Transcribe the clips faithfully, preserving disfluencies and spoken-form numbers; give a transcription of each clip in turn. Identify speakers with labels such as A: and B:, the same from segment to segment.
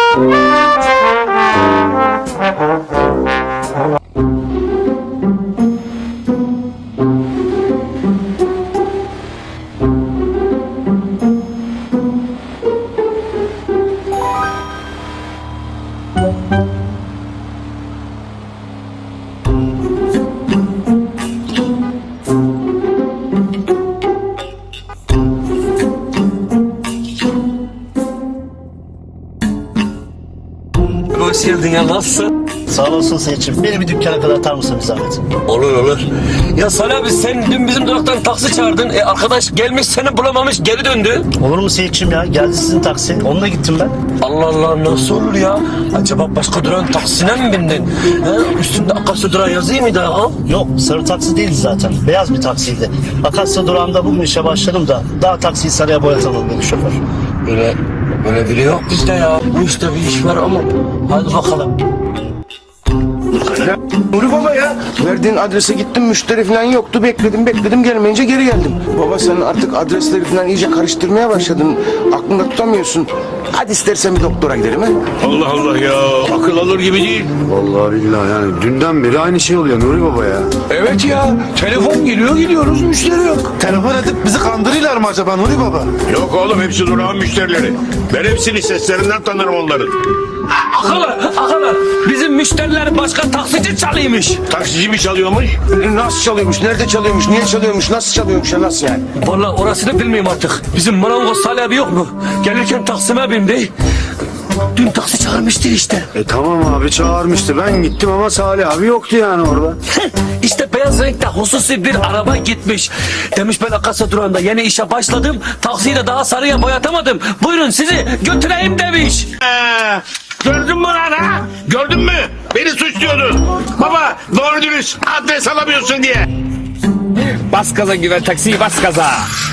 A: Hoş geldin ya, nasılsın?
B: Sağ olasın Seyit'ciğim. Beni bir dükkana kadar atar mısın bir zahmet?
A: Olur olur. Ya Salih abi, sen dün bizim duraktan taksi çağırdın. E arkadaş gelmiş seni bulamamış, geri döndü.
B: Olur mu Seyit'ciğim ya? Geldi sizin taksi. Onunla gittim ben.
A: Allah Allah, nasıl olur ya? Acaba başka durağın taksine mi bindin? He? Üstünde Akasya durağı yazıyor muydu ha?
B: Yok, sarı taksi değildi zaten. Beyaz bir taksiydi. Akasya durağında bugün işe başladım da daha taksiyi sarıya boyatamadı beni şoför.
A: Böyle, böyle biri yok bizde ya. Bu işte bir iş var ama hadi bakalım.
C: Ya, Nuri Baba ya, verdiğin adrese gittim, müşteri falan yoktu, bekledim bekledim gelmeyince geri geldim. Baba sen artık adresleri falan iyice karıştırmaya başladın, aklında tutamıyorsun. Hadi istersen bir doktora gidelim ha.
D: Allah Allah ya, akıl alır gibi değil.
E: Vallahi billahi yani dünden beri aynı şey oluyor Nuri Baba ya.
D: Evet ya, telefon geliyor gidiyoruz, müşteri yok.
F: Telefon edip bizi kandırıyorlar mı acaba Nuri Baba?
D: Yok oğlum, hepsi durağın müşterileri. Ben hepsini seslerinden tanırım onların.
A: Akalar, akalar. Bizim müşteriler başka taksici çalıymış.
D: Taksici mi çalıyormuş?
C: Nasıl çalıyormuş, nerede çalıyormuş, niye çalıyormuş, nasıl çalıyormuş ya, nasıl yani?
A: Vallahi orasını bilmiyorum artık. Bizim marangoz Salih abi yok mu? Gelirken Taksim'e bindi. Dün taksi çağırmıştı işte.
E: E tamam abi çağırmıştı, ben gittim ama Salih abi yoktu yani orada.
A: İşte beyaz renkte hususi bir araba gitmiş. Demiş ben Akasya durağında yeni işe başladım. Taksiyi de daha sarıya boyatamadım. Buyurun sizi götüreyim demiş.
D: Ee, gördün mü lan ha? Gördün mü? Beni suçluyordun. Baba, doğru dürüst adres alamıyorsun diye.
G: Bas gaza güven taksiyi, bas gaza.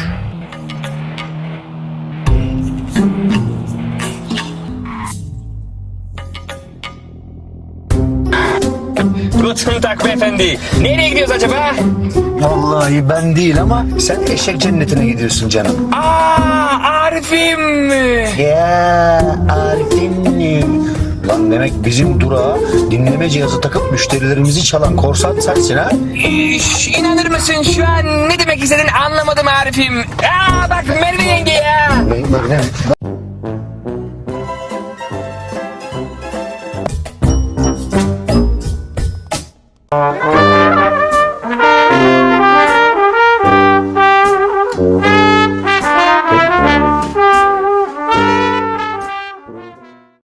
G: Guten Tag beyefendi. Nereye gidiyoruz acaba?
F: Vallahi ben değil ama sen eşek cennetine gidiyorsun canım.
G: Aa, Arif'im.
F: Ya Arif'im. Lan demek bizim durağa dinleme cihazı takıp müşterilerimizi çalan korsan sensin ha?
G: Üş, inanır mısın şu an ne demek istediğini anlamadım Arif'im. Aa bak Merve yenge ya.
F: Bak, bak, ne?